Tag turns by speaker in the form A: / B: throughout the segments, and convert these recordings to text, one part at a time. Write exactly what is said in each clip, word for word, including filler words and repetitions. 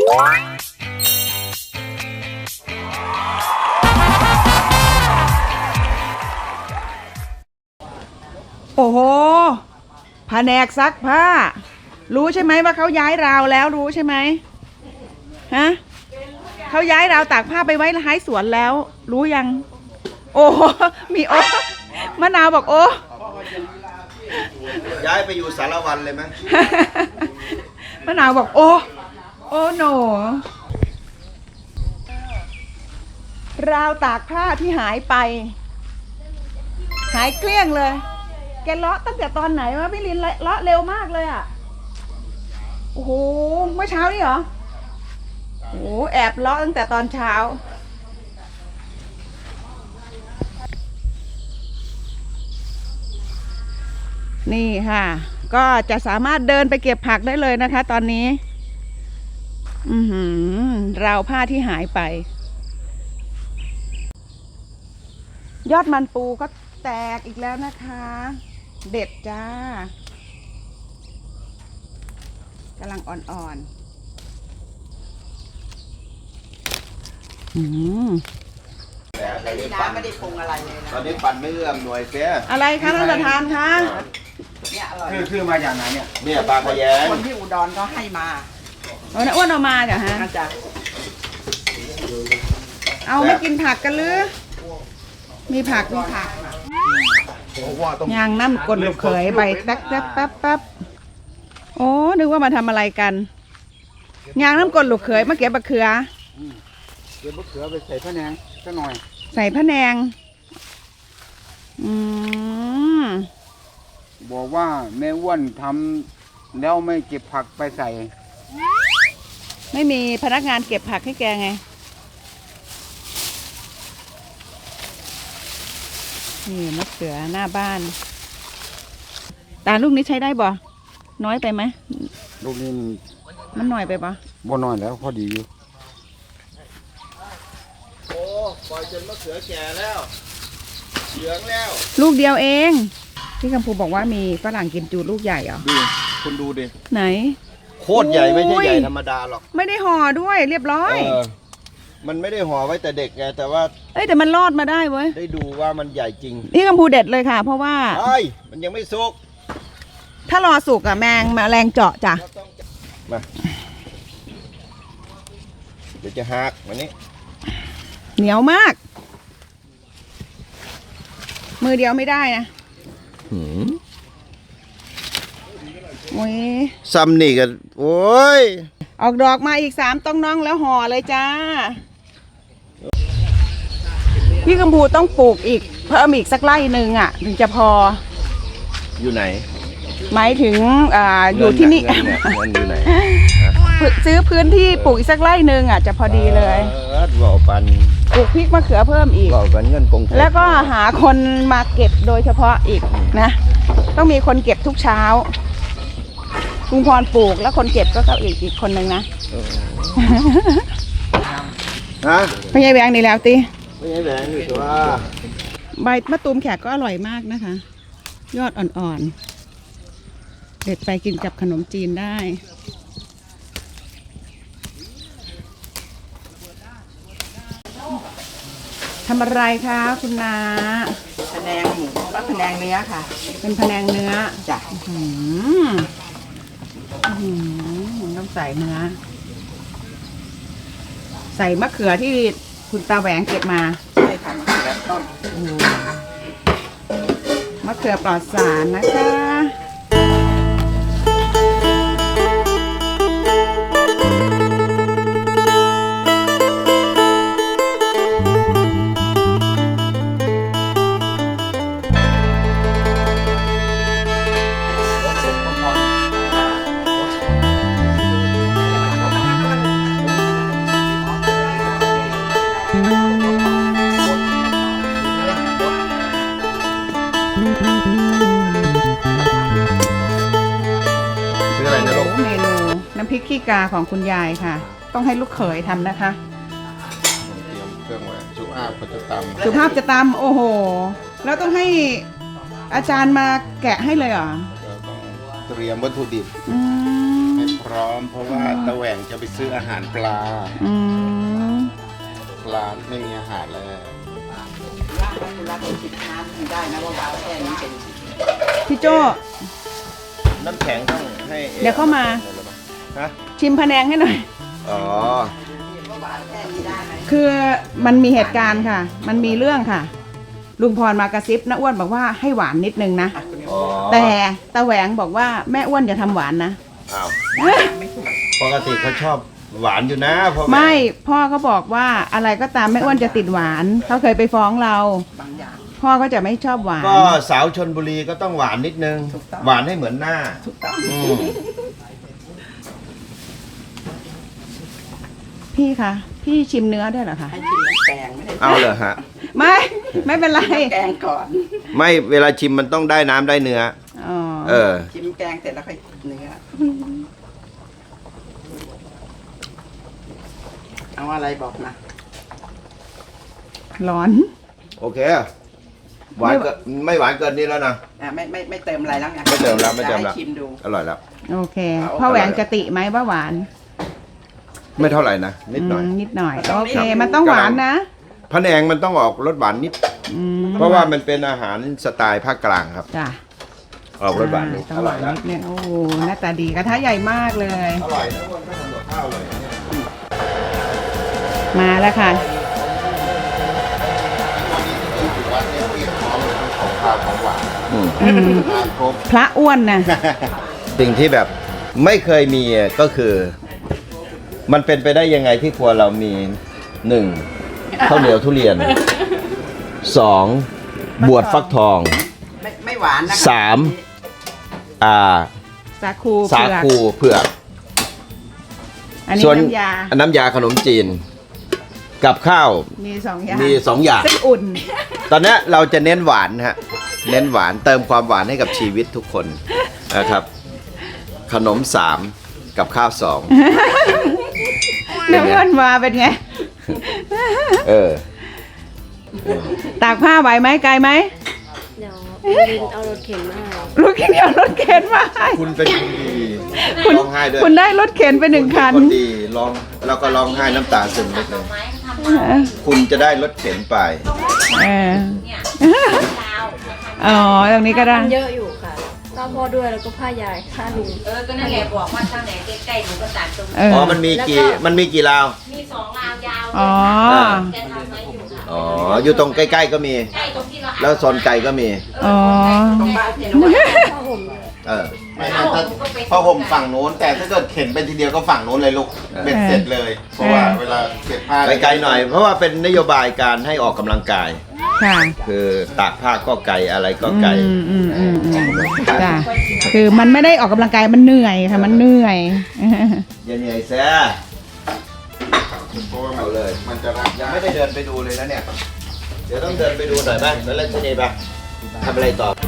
A: โอ้โหแผนกซักผ้ารู้ใช่ไหมว่าเขาย้ายราวแล้วรู้ใช่ไหมฮะเขาย้ายราวตากผ้าไปไว้ท้ายสวนแล้วรู้ยังโอ้มีโอ้มะนาวบอกโอ้
B: ย้ายไปอยู่สารวันเลยไหม
A: มะนาวบอกโอ้โอ้โนราวตากผ้าที่หายไปหายเกลี้ยงเลยแกเลาะตั้งแต่ตอนไหนวะพี่ลินเลาะเร็วมากเลยอ่ะโอ้โหเมื่อเช้านี่เหรอโอ้แอบเลาะตั้งแต่ตอนเช้านี่ค่ะก็จะสามารถเดินไปเก็บผักได้เลยนะคะตอนนี้อือหือราวผ้าที่หายไปยอดมันปูก็แตกอีกแล้วนะคะเด็ดจ้ากำลังอ่อนๆอืม
B: น้ำไม่ได้ปรุงอะไรเลยนะตอนนี้ปั่นไม่เอื้อมหน่วยเสีย
A: อะไรคะท่านประธานคะ
B: เนี่ยอร่อยคือคือมาจากไหนเนี่ยเนี่ยปลาขยง
C: คนที่อุดรก็ให้มา
A: เอาอ้วนเอามาจ้ะฮะ
C: อาจารย์
A: เอาไม่กินผักกันหรือมีผักมีผักยางน้ำกลลูกเขยใบแป๊บแป๊บแป๊บแป๊บโอ้นึกว่ามาทำอะไรกันยางน้ำกลลูกเขยมาเก็บมะเขือ
C: เก็บมะเขือไปใส่พะแนงสักหน่อย
A: ใส่พะแนงอืม
C: บอกว่าแม่อ้วนทำแล้วไม่เก็บผักไปใส่
A: ไม่มีพนักงานเก็บผักให้แกไงนี่มะเขือหน้าบ้านตาลูกนี้ใช้ได้บ่น้อยไปไหม
C: ลูกนี้
A: มันหน่อยไปบ่
C: บ่น้อยแล้วพอดีอยู่
B: โอ้ปล่อยจนมะเขือแก่แล้วเหลืองแล้ว
A: ลูกเดียวเองพี่กำพูบอกว่ามีฝรั่งกิมจูลูกใหญ่เหรอ
B: ดูคุณดูดิ
A: ไหน
B: โคตรใหญ่ไม่ใช่ใหญ่ธรรมดาหรอก
A: ไม่ได้ห่อด้วยเรียบร้อย
B: มันไม่ได้ห่อไว้แต่เด็กไงแต่ว่า
A: เอ้ยแต่มันรอดมาได้เว้ย
B: ได้ดูว่ามันใหญ่จริง
A: พี่กำพูเด็ดเลยค่ะเพราะว่า
B: ไอ้มันยังไม่สุก
A: ถ้ารอสุกอะแมงมาแรงเจาะจ้ะ
B: มาเดี๋ยวจะหักวันนี้
A: เหนียวมากมือเดียวไม่ได้นะ
B: หืม
A: โอ้ย
B: ซ้ำนี่กันโอ้ย
A: ออกดอกมาอีกสามต้องน้องแล้วห่อเลยจ้าพี่กำพูต้องปลูกอีกเพิ่มอีกสักไร่หนึ่งอ่ะถึงจะพอ
B: อยู่ไหน
A: หมายถึงอ่าอยู่ที่นี่
B: อยู่ไหน
A: ซื้อพื้นที่ปลูกอีกสักไร่หนึ่งอ่ะจะพอดีเลย
B: บอกปัน
A: ปลูกพริกมะเขือเพิ่มอีก
B: บอกปันเงินกง
A: แล้วก็หาคนมาเก็บโดยเฉพาะอีกนะต้องมีคนเก็บทุกเช้าลุงพรปลูกแล้วคนเก็บก็อีกอีกคนหนึ่งนะ
B: ฮะ
A: ไม่ใช่แบงนี่แล้วตี
B: ไม่ใช่แบงอยู่ตัว
A: ใบมะตูมแขกก็อร่อยมากนะคะยอดอ่อนๆเด็ดไปกินกับขนมจีนได้ทำอะไรคะคุณนา
C: พะแนงหมูและพะแนงเนื้อค่ะ
A: เป็นพะแนงเนื้อ
C: จ้ะ
A: อืมอืมต้องใส่เนื้อใส่มะเขือที่คุณตาแหวงเก็บมา
C: ใช่ค่ะแล้วต้น
A: มะเขือปลอดสารนะคะน้ำพริกขี้กาของคุณยายค่ะต้องให้ลูกเขยทำนะคะ
B: เตรียมเครื่องไว้สุภาพจะตำ
A: สุภาพจะตำโอ้โหแล้วต้องให้อาจารย์มาแกะให้เลยเหรอ
B: ต้องเตรียมวัตถุดิบให้พพร้อม เพราะว่าตะแหว่งจะไปซื้ออาหารปลา
A: อืม
B: ปลาไม่มีอาหารเลย
A: พี่โจ
B: น้ำแข็งต้องให้
A: เดี๋ยวเข้ามา
B: ฮะ
A: ชิมพะแนงให้หน่อย
B: อ๋อ
A: คือมันมีเหตุการณ์ค่ะ มันมีเรื่องค่ะ ลุงพรมากระซิบน้าอ้วนบอกว่าให้หวานนิดนึงนะ
B: อ๋อ
A: แต่ตาแหวงบอกว่าแม่อ้วนอย่าทำหวานนะ
B: อ้าวปกติเขาชอบหวานอยู่นะพ่อแ
A: ไม่พ่อเขาบอกว่าอะไรก็ตามแม่อ้วนจะติดหวาน เขาเคยไปฟ้องเรา พ่อก็จะไม่ชอบหวาน
B: ก็สาวชนบุรีก็ต้องหวานนิดนึง หวานให้เหมือนหน้าอืม
A: พี่คะพี่ชิมเนื้อได้เหรอคะ
D: ให้ชิมน้ำแกงไม่ได้
B: เอาเลยฮะ
A: ไม่ไม่เป็นไร
D: แกงก่อน
B: ไม่เวลาชิมมันต้องได้น้ำได้เนื้อ
A: อ๋อ
B: เออ
D: ชิมแกงเสร็จแล้วค่อยเนื้อเอาอะไรบอกนะ
A: ร้อน
B: โอเค หวานเกินไม่หวานเกินนี้แล้วนะ
D: อ่ะไม่ไม่ไม่เติมอะไรแล้วไง
B: ไม่เติมแล้วไม่เติมแล้ว
D: จะให้ชิมดู
B: อร่อยแล้ว
A: โอเคพ่อแหวงจะติไหมว่าหวาน
B: ไม่เท่าไหร่นะ นิดหน่อย
A: มนิดหน่อยโอเค มันต้องหวานนะ
B: พะแนงมันต้องออกรสหวานนิด
A: อืม
B: เพราะว่ามันเป็นอาหารสไตล์ภาคกลางครับ
A: จ้ะ
B: ออกรสหวานนิด
A: ต้อ
B: อง
A: ห
B: ร่
A: วา
B: อน ยแล้ว
A: นิดนึงโอ้โหหน้าตาดีกระทะใหญ่มากเลย
B: อร่อยนะคนก็ทำกับข้าวเลย
A: มาแล้วค่ะ
B: วัดเนี่ยเตรียมพร้อมทั้งของข้าวของหวาน
A: อืม
B: มาครบ
A: พระอ้วนนะ
B: สิ่งที่แบบไม่เคยมีก็คือ มันเป็นไปได้ยังไงที่ครัวเรามีหนึ่งข้าวเหนียวทุเรียนสองบวชฟักทอง
D: ไม่ไม่หวานนะ
B: สามอ่า
A: สาคู
B: สา
A: เผือก
B: คูเผือก
A: อันนี้
B: ส่วน
A: น้ำยา
B: น้ำยาขนมจีน กับข้าว
A: มีสองอย่าง
B: มีสองอย่าง
A: ซึ่งอุ่น
B: ตอนนี้เราจะเน้นหวานฮะเน้นหวานเติมความหวานให้กับชีวิตทุกคนนะครับ ขนมสามกับข้าวสอง
A: น้ำอ้วนมาเป็นไง
B: เออ
A: ตากผ้าไหวไหมไกลไหม
E: เดี๋ยวบินเอารถเข็นมาให้
A: ลูกเดียวรถเข็นมาให้
B: คุณเป็นคนดี
A: คุณ
B: ร้องไห้ด้วย
A: คุณได้รถเข็นไปหนึ่งคัน
B: ณเป็นคนดีร้องแล้วก็ร้องไห้น้ำตาซึมนิดนึงคุณจะได้รถเข็นไป
A: เอออ๋อตรงนี้ก็ได้
E: มันเยอะอยู่ค่ะข้าวพ่อด้วยแล้วก็ผ้ายายผ้าลุง
F: เออ ก็นั่นแหละบอกว่าตั้งไหนใกล้ๆหนูก็ตัดตรง
A: เอ
F: นี้
A: อ
B: อ๋อ มันมีกี่ มันมีกี่ราว
F: มีสองราวยาว
A: อ๋อ
F: แกทำไว้อยู่ค่ะ
B: อ๋อ อยู่ตรงใกล้ๆก็มี
F: ใกล้ตรงที่เรา
B: แล้วโซนไกลก็มี
A: อ๋อ
D: ตรงบ้านพี่นวัด
E: ผ้าห่ม
B: เออ
F: ไม่ไม่ถ้า
B: ผ้าห่มฝั่งโน้น แต่ถ้าเกิดเข็นไปทีเดียวก็ฝั่งโน้นเลยลูกเบ็ดเสร็จเลย เพราะว่าเวลาเก็บผ้าไปไกลหน่อย เพราะว่าเป็นนโยบายการให้ออกกำลังกาย
A: ค่ะ
B: คือตากผ้าก็ไกลอะไรก็ไกล
A: อืมอืมอืมอืมจ้ะคือมันไม่ได้ออกกำลังกายมันเหนื่อยค่ะมันเหนื่อย
B: อย่าเหนื่อยแซ่เอาเลย มันจะรับยังไม่ได้เดินไปดูเลยนะเนี่ย เดี๋ยวต้องเดินไปดูหน่อยไหมแล้วเล่นที่นี่ปะทำอะไรต่อ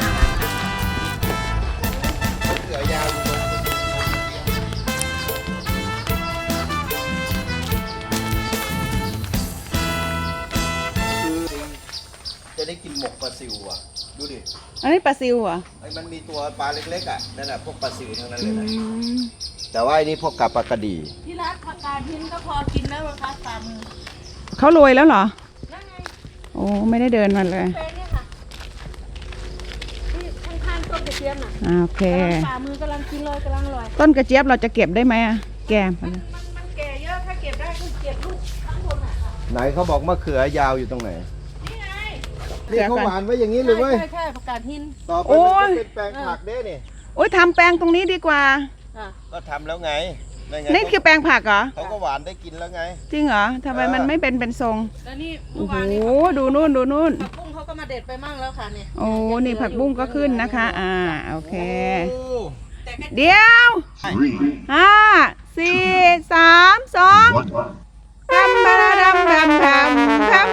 B: จะได้กินหมกปลาซิวอ่ะ ดูดิ
A: อันนี้ปลาซิวเหรอ
B: ไอ้มันมีตัวปลาเล็กๆอ่ะ นั่นแหละพวกปลาซิวทั้งนั้นเลยนะ แต่ว่าไอ้นี่พวกกับปลากระดี
F: ที่ร้านผักกาดหินก็พอกินแล้วเหรอคะตามมือ
A: เขาโรยแล้วเหรอ
F: นั่นไง
A: โอ้ไม่ได้เดินมาเลย
F: เป็นเนี่ยค่ะที่ข้างๆต้นกระเทียมน่ะ
A: อ่าโอเค
F: กำลังฝ่ามือกำลังกินเลยกำลังอร่อย
A: ต้นกระเจี๊ยบเราจะเก็บได้ไหมอะแกม
F: มันมันแก่เยอะถ้าเก็บได้ก็เก็บลูกข้างบนอ่ะค่ะ
B: ไหนเขาบอกมะเขือยาวอยู่ตรงไหน
F: นี่ไง
B: นี่เขาหวานไว้อย่างนี้เลยเว้ย
F: ใช่ใช่ผักกาดหิน
B: ต่อไป
A: โอ้
B: มัน
A: ย
B: จะเป็นแปลงผักเด้นี่
A: โอ้ยทำแปลงตรงนี้ดีกว่า
F: อ่ะ
B: ก็ทำแล้วไงไง
A: นี่คือแปลงผักเหรอ
B: เขาก็หวานได้กินแล้วไง
A: จริงเหรอทำไมมันไม่เป็นเป็นทรง
F: แล้วนี่
A: โอ้
F: เมื่อ
A: โห
F: วานนี้
A: ดูนู่นดูนู่น
F: ผักบุ้งเขาก็มาเด็ดไปมั่งแล้วค่ะเนี่ย
A: โอ้นี่ผักบุ้งก็ขึ้นนะคะ อ่าโอเค
B: โอ้
F: แต่ก็
A: เดี๋ยวห้าสี่สามสองทำบาราดำดำดำทำ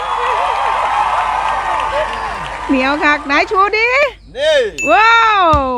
A: เหนียวคักไหนชูดิ
B: นี่
A: ว้าว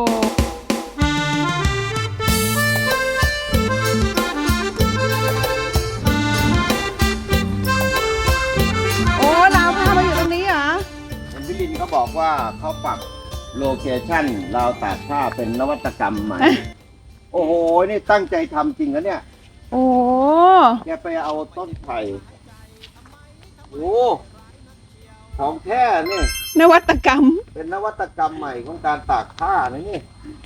A: โอ้เราพามาอยู่ตรงนี้เหรอ
B: เห็นพี่ลินเขาบอกว่าเขาปรับโลเคชั่นราวตากผ้าเป็นนวัตกรรมใหม่ โอ้โอ้โห นี่ตั้งใจทำจริงนะเนี่ย
A: โอ้
B: แกไปเอาต้นไผ่โอ้ของแท้นี่
A: นวัตกรรม
B: เป็นนวัตกรรมใหม่ของการตากผ้านะนี่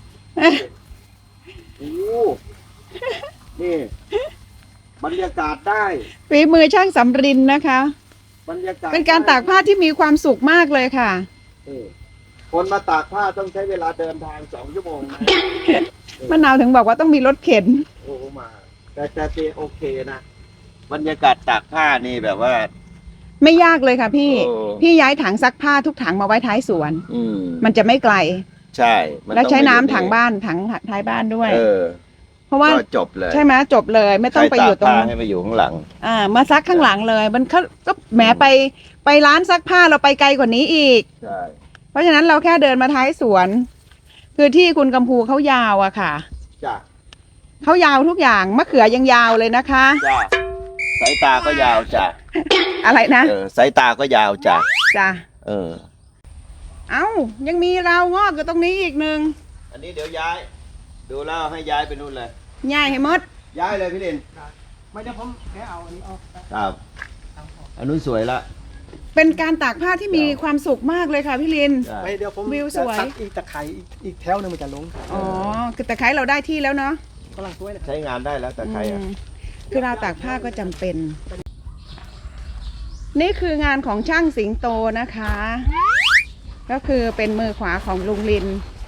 B: โอ้นี่ บรรยากาศได้
A: ฝีมือช่างสำรินนะคะ
B: บรรยากาศ
A: เป็นการตากผ้าที่มีความสุขมากเลยค่ะ
B: เออคนมาตากผ้าต้องใช้เวลาเดินทางสองชั่วโมงนะ
A: มะนาวถึงบอกว่าต้องมีรถเข็น
B: โอ้มา แต่แต่เตโอเคนะ บรรยากาศตากผ้านี่แบบว่า
A: ไม่ยากเลยค่ะพี่
B: โอ้
A: พี่ย้ายถังซักผ้าทุกถังมาไว้ท้ายสวน
B: อืม
A: มันจะไม่ไกล
B: ใช่มัน
A: แล้ว
B: ต้อง
A: ใช้น้ำ
B: ไม่อยู่
A: ถังบ้านถังท้ายบ้านด้วย
B: เออ
A: เพราะว่า
B: ก็จบเลย
A: ใช่ไหมจบเลยไม่ต้องไปอยู่ตรง
B: ใคากผ้าให้ไปอยู่ข้างหลัง
A: อ่ามาซักข้างหลังเลย มันเขาก็แหมไปไปร้านซักผ้าเราไปไกลกว่านี้อีก
B: ใช่
A: เพราะฉะนั้นเราแค่เดินมาท้ายสวน คือที่คุณกำพูเขายาวอะค่ะ
B: จ้ะ
A: เขายาวทุกอย่างมะเขือยังยาวเลยนะคะ
B: จ้ะสายตาก็ยาวจ้ะ
A: อะไรนะ
B: เออสายตาก็ยาวจ้ะ
A: จ้ะ
B: เออ
A: เอ้ายังมีราวงอกอยู่ตรงนี้อีกหนึ่ง
B: อันนี้เดี๋ยวย้าย ดูแล้วให้ย้ายไปนู่นเลย
A: ง่ายให้หมด
B: ย้ายเลยพี่ลิน
C: ไม่ได้ผมแค่เอาอันนี้ออก
B: ครับอันนู้นสวยละ
A: เป็นการตากผ้าที่มีความสุขมากเลยค่ะพี่ลิน
B: ใช่
C: ไม่เดี๋ยวผม
A: วิวสวย
C: จะซักอีกตะไคร้อีกอีกแถวหนึงมันจะลง
A: อ๋อคือตะไคร้เราได้ที่แล้วเนาะ
C: กำลังสวยนะ
B: ใช้งานได้แล้วแต่ใครอ่ะ
A: อืมคือราวตากผ้าก็จำเป็น นี่คืองานของช่างสิงโตนะคะ ก็คือเป็นมือขวาของลุงลิน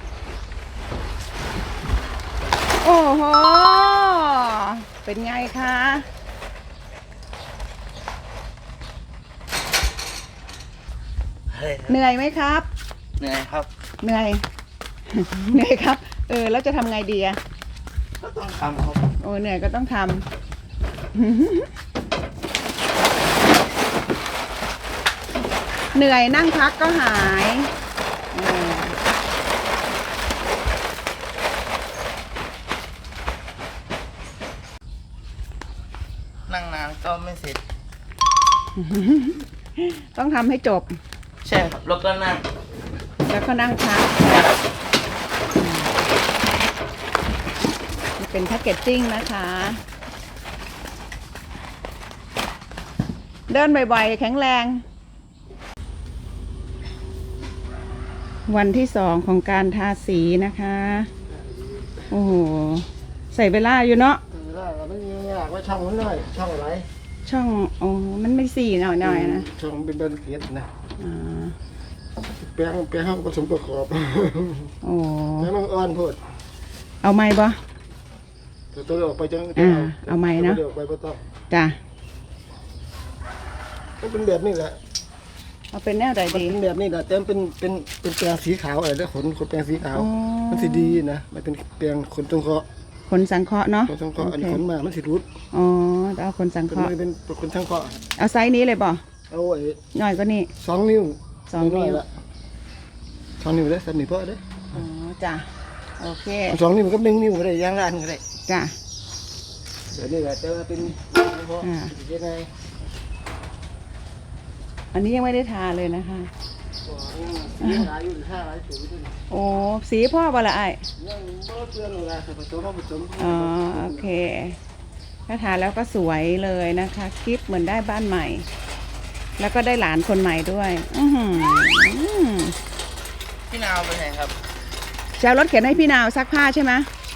A: โอ้โห เป็นไงคะ เหนื่อยไหมครับ
D: เหนื่อยครับ
A: เหนื่อย เหนื่อยครับ เออ แล้วจะทำไงดีอะ
D: ก็ต้องทำครับ
A: โอ้เหนื่อยก็ต้องทำ เหนื่อยนั่งพักก็หายเออ
D: นั่งนานก็ไม่เสร็จ
A: ต้องทำให้จบ
D: ใช่ครับแล้วก็นั่ง
A: แล้วก็นั่งพักนี่เป็นแพ็กเกจจิ้งนะคะ เดินบ่อยๆ แข็งแรง วันที่สองของการทาสีนะคะ โอ้โห ใส่เวลาอยู่เนาะ
C: ได้เราไม่มีอยากว่าช่องมันหน่อยช่องอะไร
A: ช่องโอ้มันไม่สี่หน่อยๆนะ
C: ช่องเป็นเป็นเกียรตินะ
A: อ่า
C: แปลงแปลงห้องผสมประกอบ
A: โอ้
C: แล้วมันอ่อนโพด
A: เอาไม้บ่
C: ตัวตัวออกไปจัง
A: อ่าเอาไม้นะ
C: ตัวออกไปบ่ต้อง
A: จ้ะ
C: มันเป็นแบบนี้แหละ
A: เอาเป็นแนวใด
C: มัน
A: ดี
C: เป็นแบบนี้แหละแต่มันเป็นเป็นเป็นแปลงสีขาวอะไรแล้วขนขนแปลงสีขาว
A: อ๋อ
C: มันสีดีนะมันเป็นแปลงขนตรงเคราะห์
A: ขนสังเคราะห์เนาะ
C: ขนตรงเคราะห์อันนี้
A: โอ
C: ข
A: เคน
C: มามันสีรุด
A: อ๋อเอาขนสัง
C: เป็
A: เคน ราะห์
C: ไม่เป็นขนทางเคราะห์
A: เอาไซส์นี้เลยบ่
C: เอาไอ้
A: หน่อยก็นี่
C: สองนิ้ว
A: สองนิ้ว
C: อยๆละสองนิ้วได้สามนิ้วพอได้
A: อ๋อจ้ะโอเค
C: เอาสองนิ้วกับหนึ่งนิ้วก็ได้ย่างร้านก็ได้
A: จ้ะ
C: เดี๋ยวนี้แหละแต่ว่าเป็นเพราะ
A: อ่า
C: ยังไง
A: อันนี้ยังไม่ได้ทาเลยนะคะ
C: ยังหลายอยู่ห้าหลายสูงอยู่ด้วย
A: โอ้สีพ่อบ่ละไอ้าย
C: ยังบ่เตือนเลยผสมผสม
A: อ๋อโอเคถ้าทาแล้วก็สวยเลยนะคะคลิปเหมือนได้บ้านใหม่ แล้วก็ได้หลานคนใหม่ด้วย อือหือ
D: พี่นาวไปไหนครับ
A: จะเอารถเข็นให้พี่นาวซักผ้าใช่ไหม
D: ใช่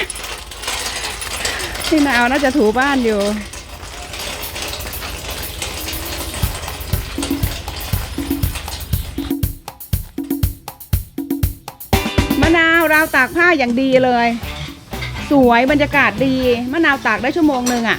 A: พี่นาวน่าจะถูบ้านอยู่ มะนาวราวตากผ้าอย่างดีเลย สวยบรรยากาศดี มะนาวตากได้ชั่วโมงหนึ่งอะ่ะ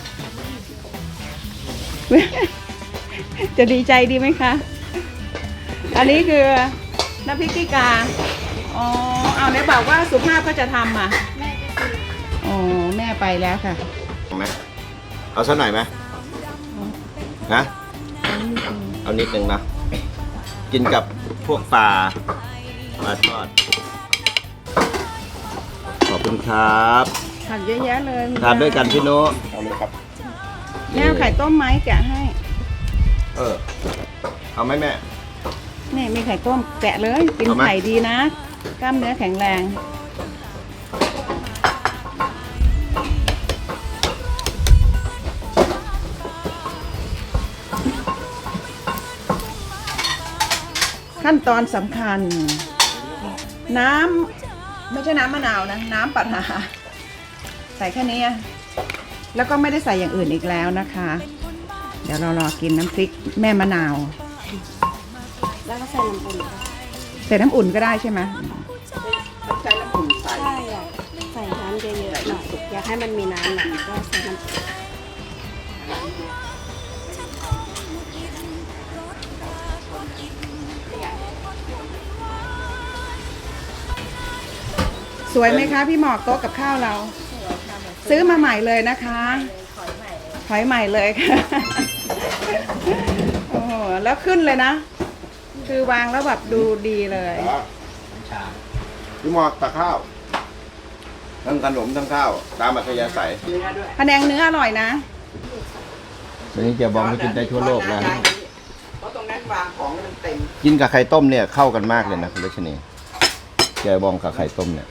A: จะดีใจดีไหมคะ อันนี้คือน้ำพริกขี้กา อ๋อ เอาไหนบอกว่าสุภาพก็จะทำอ่ะ
E: แม่ไปซื้อ
A: อ๋อ แม่ไปแล้วค่ะ
B: ไหมเอาสักหน่อยไหมนะ เอานิดนึงนะ กินกับพวกปลาปลาทอด ขอบคุณครับ
A: ผักเยอะแยะเลย
B: ทานด้วยกันพี่โน้เอาเลยครับ
A: แม่เอาไข่ต้มไหมแกะให้
B: เออ เอาไหมแม่
A: นี่มีไข่ต้มแกะเลย กิน
B: เอาไหม
A: ไข่ดีนะ กล้ามเนื้อแข็งแรงขั้นตอนสำคัญ น้ำไม่ใช่น้ำมะนาวนะ น้ำปลาร้าใส่แค่นี้อะแล้วก็ไม่ได้ใส่อย่างอื่นอีกแล้วนะคะ เดี๋ยวเรารอกินน้ำพริกแม่มะนาว
E: แล้วก็ใส่น้ำอุ่น
A: ใส่น้ำอุ่นก็ได้ใช่ไหมใช้น้ำอุ่นใส่
E: ใช่อยากใส่น้ำเยอะๆหน่อยอยากให้มันมีน้ำหน่อยก็ใส่น้ำ
A: สวยไหมคะพี่หมอกโต๊ะกับข้าวเรา ซื้อมาใหม่เลยนะคะถอยใหม่เลยค่ะโอ้โหแล้วขึ้นเลยนะ คือวางแล้วแบบดูดีเลย
B: พี่หมอกตักข้าวทั้งขนมทั้งข้าว ตามอัธยาศัย
A: พะแนงเนื้ออร่อยนะ
B: ตอนนี้เจ๊บองไม่กินได้ทั่วโลกแล้ว
A: เพราะตรงนั้นวางของมันเต็ม
B: กินกับไข่ต้มเนี่ยเข้ากันมากเลยนะคุณเลชนีเจ๊บองกับไข่ต้มเนี่ย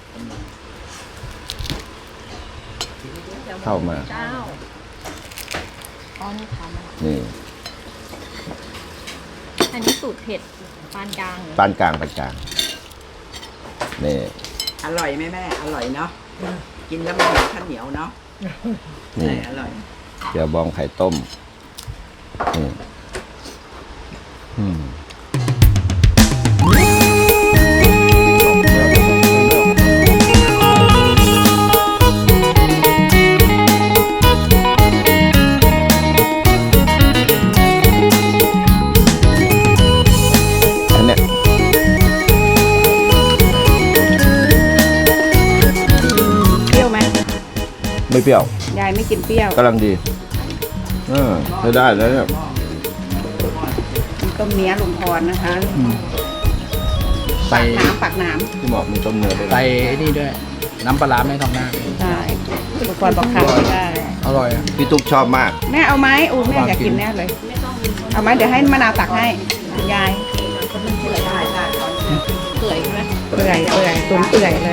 B: เข้ามา
E: เจ้าอ๋อนี่ทำอะ
B: นี่
E: อันนี้สูตรเผ็ดปานกลางเหรอ
B: ปานกลางปานกลางนี่
A: อร่อยไหมแม่ อร่อยเนาะ กินแล้วมันเหมือนข้าวเหนียวเนาะ
B: นี่
A: อร่อย
B: เจ๊บองไข่ต้มนี่อืมอันเนี้ย
A: เปรี้ยวไหม
B: ไม่เปรี้ยว
A: ยายไม่กินเปรี้ยว
B: กำลังดีเออใช้ได้แล้วเนี่ย
A: มีต้มเนื้อลุงพรนะคะ
G: ใส่
A: น้ำปักน้
B: พี่หมอกมีต้มเนื้อด้วยนะ
G: ใส่ไอ้นี่ด้วย น้ำปลาร้าไม่ทองหน้า
A: ำใช่ลุงพรบอกขาดไม่ได้
G: อร่อยอะ
B: พี่ตุ๊กชอบมาก
A: แม่เอาไหมอู้แม่อยากกินแน่เลย เอาไหมเดี๋ยวให้มะนาวตักให้คุณยายเปื่อยใช่ไหมเปื่อยเปื่อยตุ๋นเปื่อยเลย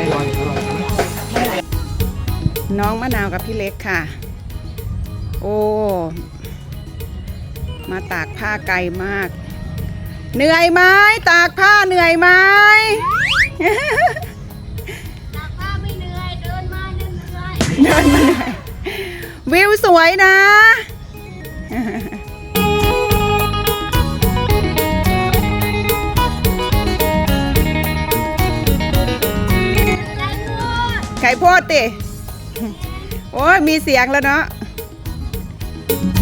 A: น้องมะนาวกับพี่เล็กค่ะ โอ้ มาตากผ้าไกลมาก เหนื่อยไหมตากผ้าเหนื่อยไหม
F: ตากผ้าไม่เหนื่อย เดินมาเหนื่อย
A: เดินมาเหนื่อยวิวสวยนะ ไก่โพดติ โอ้ยมีเสียงแล้วเนาะ